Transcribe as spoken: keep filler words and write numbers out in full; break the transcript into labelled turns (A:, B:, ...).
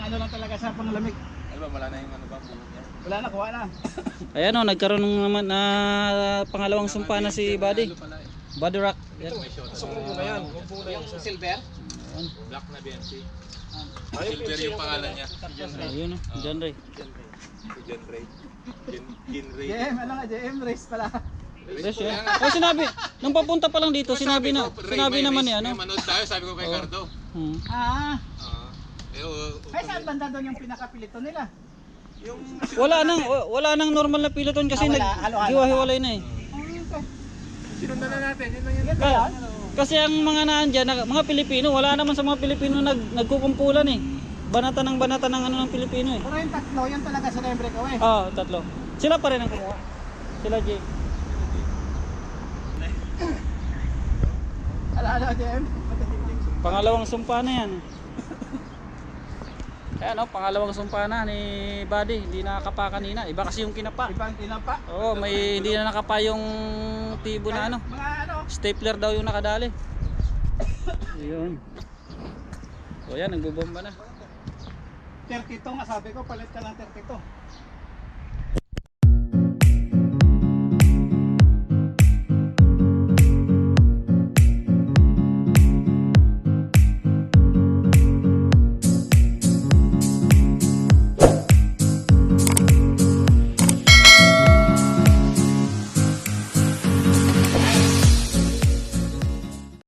A: ano lang talaga siya, panglamig.
B: Ano ba, wala na yung ano ba, buhok niya?
A: Wala na, kuha na.
C: Ayan o, nagkaroon ng naman na pangalawang sumpa na si Buddy. Buddy Rock. Yan.
B: Sumubo na yan, bumbu na
A: Yung silver?
B: Black na B M C. Silver yung pangalan niya.
C: Ayun o, John Ray.
B: Si John Ray. John Gin Ray.
A: J M, ano nga, J M race pala.
C: Yes, yan. Ay, sinabi, nung papunta pa lang dito, sinabi na, sinabi naman ni ano.
B: May manood tayo, sabi ko kay Cardo.
C: Hmm.
A: Ah,
B: Ah, eh, oh,
A: ay saan banda doon yung pinakapilito nila?
B: yung
C: Wala nang, wala nang normal na piloton kasi
A: Ah, wala.
C: nag
A: Halo-halo.
C: hiwa-hiwalay na eh.
A: Oh, okay.
B: sinundan na natin, yun lang yun.
A: Yan ba yan?
C: Kasi ang mga naandyan, na- mga Pilipino, wala naman sa mga Pilipino nag nagkukumpulan eh. Banata ng banata ng ano ng Pilipino eh.
A: Pero yung tatlo, yan talaga sa Lembre ko eh.
C: Ah, tatlo. Sila pa rin ang kumuha. Sila Jay.
A: Ala, ala, J M.
C: Pangalawang sumpa na yan. Ayan o, pangalawang sumpa na ni Buddy. Hindi nakakapa kanina. Iba kasi yung kinapa.
A: Ibang tinapa.
C: Oo, may hindi na nakapa yung tibo na ano.
A: Mga ano,
C: Stapler daw yung nakadali. Ayun. So yan, nagbubomba na.
A: thirty-two nga sabi ko, palit ka ng thirty-two.